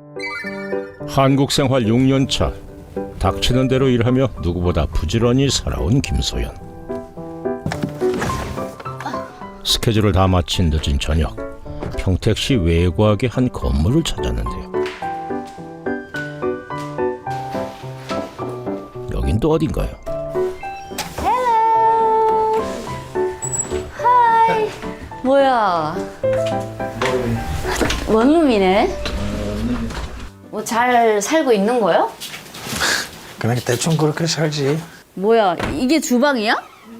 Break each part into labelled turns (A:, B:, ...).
A: 한국 생활 6년 차. 닥치는 대로 일하며 누구보다 부지런히 살아온 김소연. 스케줄을 다 마친 늦은 저녁, 평택시 외곽의 한 건물을 찾았는데요. 여긴 또 어딘가요?
B: 하이. 뭐야? 원룸이네. 뭐 잘 살고 있는 거야?
C: 그냥 대충 그렇게 살지.
B: 뭐야? 이게 주방이야?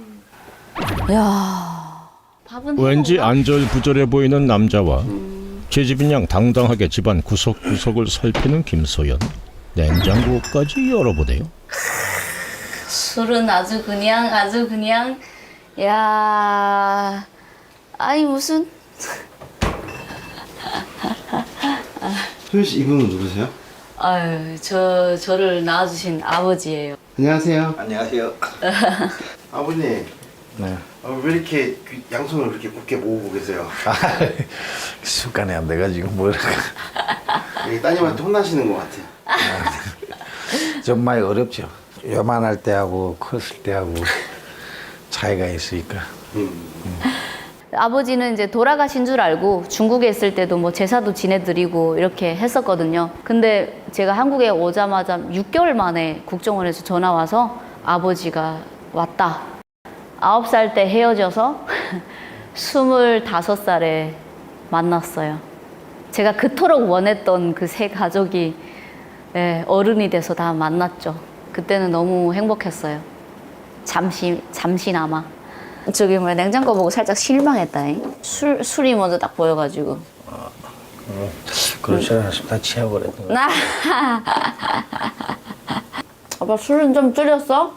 B: 야. 밥은
A: 왠지 안절부절해 보이는 남자와 제 집인 양 당당하게 집안 구석구석을 살피는 김소연. 냉장고까지 열어보네요.
B: 술은 아주 그냥 야. 아니 무슨
D: 소연 씨, 이분은 누구세요?
B: 아유, 저를 낳아주신 아버지예요.
D: 안녕하세요.
C: 안녕하세요.
D: 아버님,
C: 네.
D: 왜 이렇게 양손을 그렇게 굳게 모으고 계세요?
C: 습관이 안 돼가지고 뭐랄까.
D: 따님한테 혼나시는 것 같아요.
C: 좀 많이 어렵죠. 요만할 때하고 컸을 때하고 차이가 있으니까.
B: 아버지는 이제 돌아가신 줄 알고 중국에 있을 때도 뭐 제사도 지내드리고 이렇게 했었거든요. 근데 제가 한국에 오자마자 6개월 만에 국정원에서 전화 와서 아버지가 왔다. 9살 때 헤어져서 25살에 만났어요. 제가 그토록 원했던 그 세 가족이 어른이 돼서 다 만났죠. 그때는 너무 행복했어요. 잠시나마. 저기 뭐 냉장고 보고 살짝 실망했다잉. 술이 먼저 딱 보여가지고.
C: 그렇지 않았으면 다 취해버렸던 거.
B: 아빠 술은 좀 줄였어?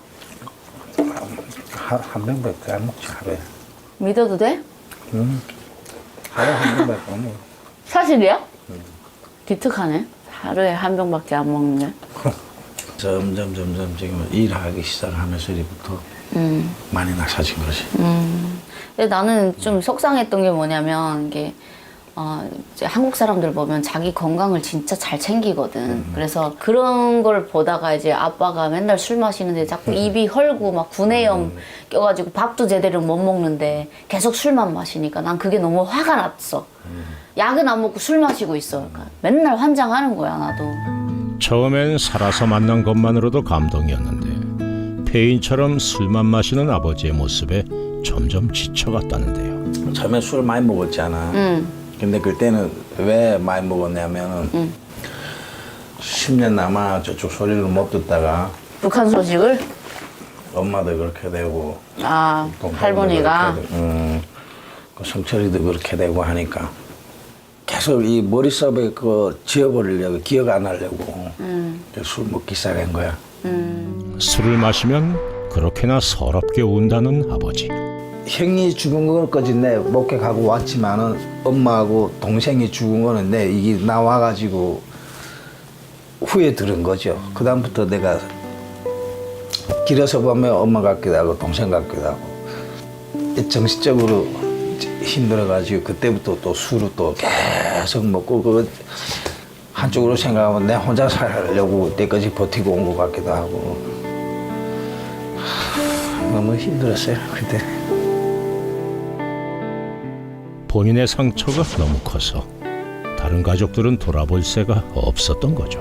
C: 한 병밖에 안 먹지 하루에.
B: 믿어도 돼?
C: 하루에 한 병밖에 안 먹어.
B: 사실이야? 기특하네. 하루에 한 병밖에 안 먹는데.
C: 점점 지금 일하기 시작하면서부터 많이 나사진 거지.
B: 근데 나는 좀 속상했던 게 뭐냐면 이게 이제 한국 사람들 보면 자기 건강을 진짜 잘 챙기거든. 그래서 그런 걸 보다가 이제 아빠가 맨날 술 마시는데 자꾸 입이 헐고 막 구내염 껴가지고 밥도 제대로 못 먹는데 계속 술만 마시니까 난 그게 너무 화가 났어. 약은 안 먹고 술 마시고 있어. 그러니까 맨날 환장하는 거야 나도.
A: 처음엔 살아서 만난 것만으로도 감동이었는데 폐인처럼 술만 마시는 아버지의 모습에 점점 지쳐갔다는데요.
C: 처음에 술 많이 먹었잖아. 근데 그때는 왜 많이 먹었냐면은 10년 남아 저쪽 소리를 못 듣다가
B: 북한 소식을?
C: 엄마도 그렇게 되고 동생도
B: 할머니가?
C: 그렇게 되고, 그 성철이도 그렇게 되고 하니까 계속 이 머릿속에 그 지워버리려고 기억 안 하려고 술 먹기 시작한 거야.
A: 술을 마시면 그렇게나 서럽게 운다는 아버지.
C: 형이 죽은 것까지 내 목격하고 왔지만은 엄마하고 동생이 죽은 거는 내 이게 나와가지고 후에 들은 거죠. 그 다음부터 내가 길에서 보면 엄마 같기도 하고 동생 같기도 하고 정신적으로 힘들어가지고 그때부터 또 술을 또 계속 먹고 그 한쪽으로 생각하면 내 혼자 살려고 때까지 버티고 온 것 같기도 하고 너무 힘들었어요 그때.
A: 본인의 상처가 너무 커서 다른 가족들은 돌아볼 새가 없었던 거죠.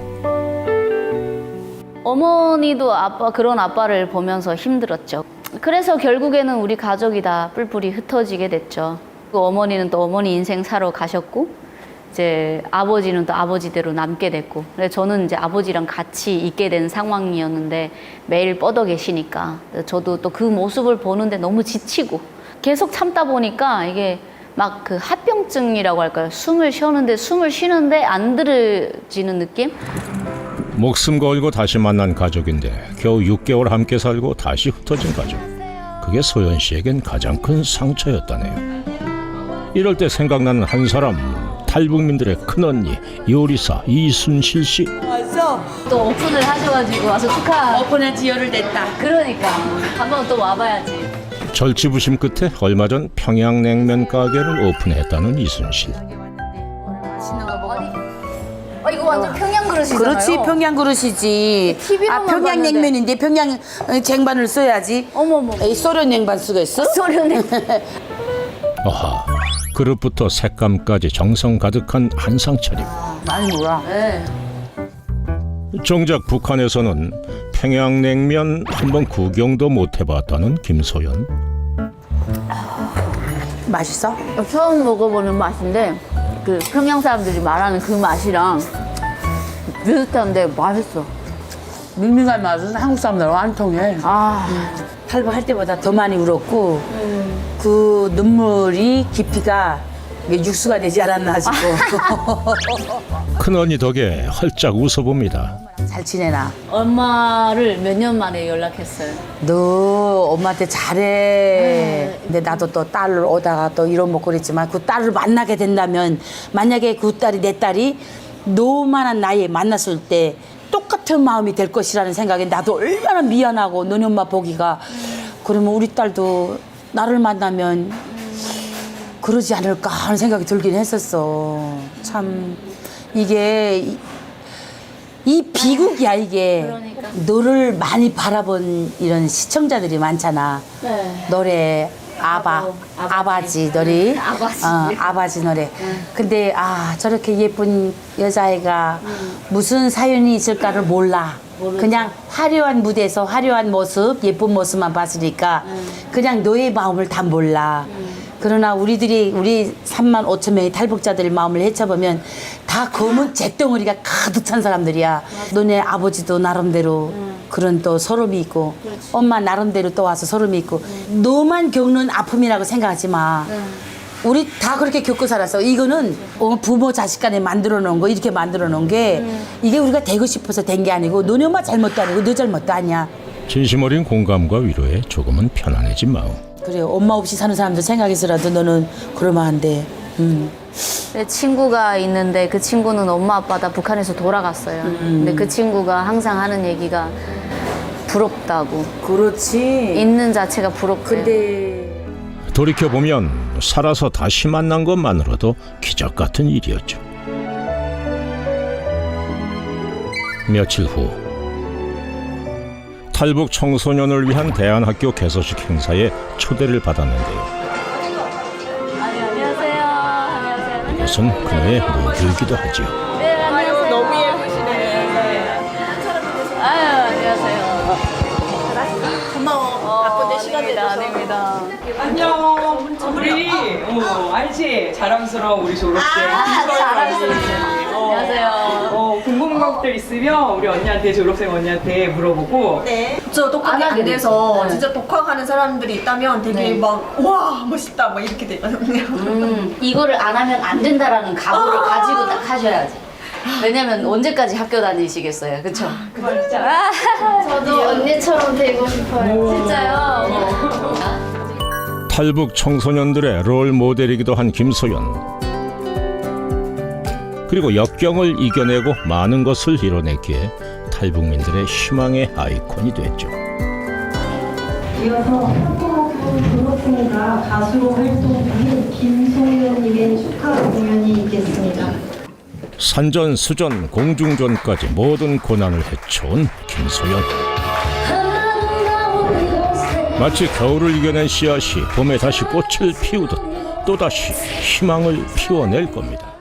B: 어머니도 그런 아빠를 보면서 힘들었죠. 그래서 결국에는 우리 가족이 다 뿔뿔이 흩어지게 됐죠. 그 어머니는 또 어머니 인생 사러 가셨고, 이제 아버지는 또 아버지대로 남게 됐고, 그래서 저는 이제 아버지랑 같이 있게 된 상황이었는데 매일 뻗어 계시니까 저도 또 그 모습을 보는데 너무 지치고 계속 참다 보니까 이게 막 그 합병증이라고 할까요? 숨을 쉬는데 안 들어지는 느낌?
A: 목숨 걸고 다시 만난 가족인데 겨우 6개월 함께 살고 다시 흩어진 가족. 그게 소연 씨에겐 가장 큰 상처였다네요. 이럴 때 생각나는 한 사람, 탈북민들의 큰언니 요리사 이순실 씨.
E: 왔어?
B: 또 오픈을 하셔가지고 와서 축하.
E: 오픈한 지 열흘 됐다.
B: 그러니까 한번 또 와봐야지.
A: 절치부심 끝에 얼마 전 평양냉면 가게를 오픈했다는 이순실.
B: 맛있는 거 먹어. 이거 완전 평양 그릇이잖아요.
E: 그렇지, 평양 그릇이지.
B: TV로만
E: 평양냉면인데 평양 쟁반을 써야지.
B: 어머머.
E: 에이, 소련 냉반 쓰겠어?
B: 소련에
A: 아하, 그릇부터 색감까지 정성 가득한 한상 차림.
E: 많이 몰라.
B: 네.
A: 정작 북한에서는 평양냉면 한번 구경도 못 해봤다는 김소연.
E: 맛있어?
B: 처음 먹어보는 맛인데 그 평양 사람들이 말하는 그 맛이랑 비슷한데 맛있어.
E: 밍밍한 맛은 한국 사람들하고 안 통해.
B: 아,
E: 탈북할 때보다 더 많이 울었고 그 눈물이 깊이가 이게 육수가 되지 않았나 싶고.
A: 큰언니 덕에 헐짝 웃어봅니다.
E: 잘 지내나?
B: 엄마를 몇 년 만에 연락했어요.
E: 너 엄마한테 잘해. 근데 나도 또 딸을 오다가 또 이런 먹고 그랬지만 그 딸을 만나게 된다면 만약에 그 딸이 내 딸이 너만한 나이에 만났을 때 똑같은 마음이 될 것이라는 생각에 나도 얼마나 미안하고 너네 엄마 보기가 그러면 우리 딸도 나를 만나면 그러지 않을까 하는 생각이 들긴 했었어. 참 이게 이 비극이야 이게.
B: 그러니까.
E: 너를 많이 바라본 이런 시청자들이 많잖아.
B: 네.
E: 노래 아바지 노래.
B: 아바지.
E: 아바지 노래. 근데 저렇게 예쁜 여자애가 무슨 사연이 있을까를 몰라. 그냥 화려한 무대에서 화려한 모습, 예쁜 모습만 봤으니까 그냥 너의 마음을 다 몰라. 그러나 우리 3만 5천 명의 탈북자들의 마음을 헤쳐보면 다 검은 잿덩어리가 가득 찬 사람들이야. 너네 아버지도 나름대로 그런 또 서름이 있고 엄마 나름대로 또 와서 서름이 있고 너만 겪는 아픔이라고 생각하지 마. 우리 다 그렇게 겪고 살았어. 이거는 부모 자식 간에 만들어 놓은 거 이렇게 만들어 놓은 게 이게 우리가 되고 싶어서 된 게 아니고 너네 엄마 잘못도 아니고 너 잘못도 아니야.
A: 진심 어린 공감과 위로에 조금은 편안해진 마음.
E: 그래 엄마 없이 사는 사람들 생각해서라도 너는 그러면 안 돼.
B: 내 친구가 있는데 그 친구는 엄마 아빠 다 북한에서 돌아갔어요. 근데 그 친구가 항상 하는 얘기가 부럽다고.
E: 그렇지.
B: 있는 자체가 부럽대요.
E: 근데
A: 돌이켜보면 살아서 다시 만난 것만으로도 기적 같은 일이었죠. 며칠 후 탈북 청소년을 위한 대안학교 개소식 행사에 초대를 받았는데요.
B: 안녕하세요. 안녕하세요.
A: 이것은 그녀의 모교이기도 하죠.
B: 네, 안녕하세요. 너무 예쁘시네. 아유, 안녕하세요. 고마워. 바쁜데 시간 내줘서. 아닙니다.
F: 안녕. 우리 알지? 자랑스러운 우리 졸업생.
B: 자랑스러운. 안녕하세요.
F: 궁금한 것들 있으면 우리 언니한테 졸업생 언니한테 물어보고.
G: 네. 저 독학이 안 돼서 진짜 독학하는 사람들이 있다면 되게 막 와 멋있다 막 이렇게 되거든요.
B: 이거를 안 하면 안 된다라는 각오를 가지고 딱 하셔야지. 왜냐면 언제까지 학교 다니시겠어요, 그렇죠?
F: 진짜.
B: 저도 언니처럼 되고 싶어요. 진짜요?
A: 탈북 청소년들의 롤 모델이기도 한 김소연. 그리고 역경을 이겨내고 많은 것을 이뤄냈기에 탈북민들의 희망의 아이콘이 됐죠.
H: 이어서 한국학교 졸업생과 가수로 활동 중인 김소연님의 축하 공연이 있겠습니다.
A: 산전수전 공중전까지 모든 고난을 헤쳐온 김소연. 마치 겨울을 이겨낸 씨앗이 봄에 다시 꽃을 피우듯 또다시 희망을 피워낼 겁니다.